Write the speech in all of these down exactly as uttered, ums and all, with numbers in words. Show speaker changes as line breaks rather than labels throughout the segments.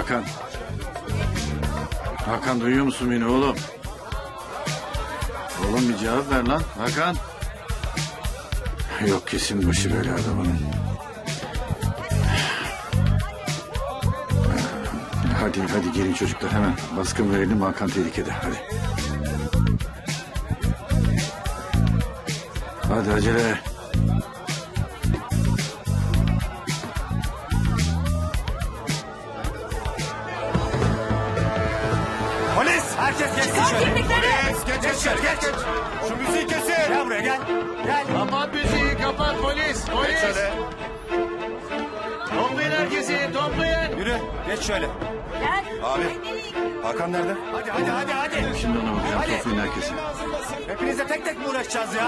Hakan. Hakan duyuyor musun beni oğlum? Oğlum bir cevap ver lan Hakan. Yok kesin başı böyle adamın. Hadi hadi gelin çocuklar hemen baskın verelim, Hakan tehlikede, hadi. Hadi acele.
Polis! Herkes geçsin şöyle. Polis! Geç geç geç geç. geç. Şu müziği kesin. Gel buraya gel. Gel.
Kapat müziği, kapat polis,
Geç
polis.
şöyle.
Toplayın herkesi, toplayın.
Yürü. Geç şöyle.
Gel.
Abi. Hakan nerede? Hadi hadi hadi hadi.
Şimdi ona bakacağım,
Hadi.
toplayın herkesi.
Hepinizle tek tek mi uğraşacağız ya?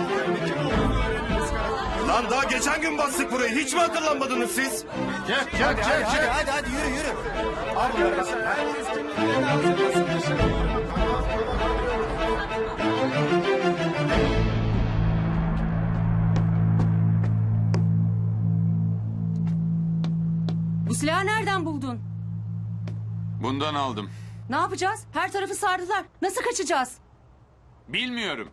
Lan daha geçen gün bastık burayı. Hiç mi hatırlanmadınız siz?
Çek, çek,
Hadi
çek,
hadi hadi,
çek.
hadi, hadi yürü yürü. Al bunları bak.
Bu silahı nereden buldun?
Bundan aldım.
Ne yapacağız? Her tarafı sardılar. Nasıl kaçacağız?
Bilmiyorum.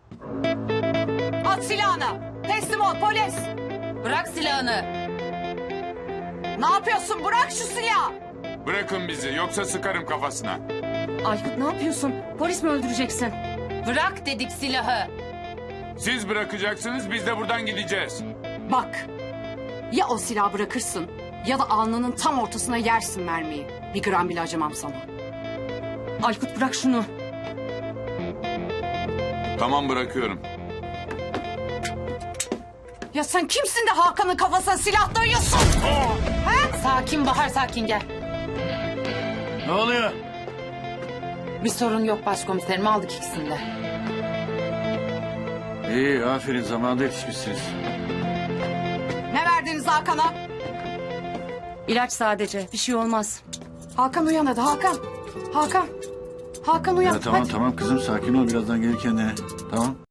At silahını. Teslim ol polis. Bırak silahını. Ne yapıyorsun? Bırak şu silahı.
Bırakın bizi yoksa sıkarım kafasına.
Aykut ne yapıyorsun? Polis mi öldüreceksin? Bırak dedik silahı.
Siz bırakacaksınız biz de buradan gideceğiz.
Bak, ya o silahı bırakırsın ya da alnının tam ortasına yersin mermiyi. Bir gram bile acımam sana.
Aykut bırak şunu.
Tamam bırakıyorum.
Ya sen kimsin de Hakan'ın kafasına silah dayıyorsun?
Sakin Bahar, sakin gel.
Ne oluyor?
Bir sorun yok başkomiserim, aldık ikisini de.
İyi, aferin, zamanında yetişmişsiniz.
Ne verdiniz Hakan'a?
İlaç sadece. Bir şey olmaz.
Hakan uyan hadi Hakan. Hakan. Hakan uyan
Ya tamam
hadi.
tamam kızım, sakin ol, birazdan gelir kendine. Tamam.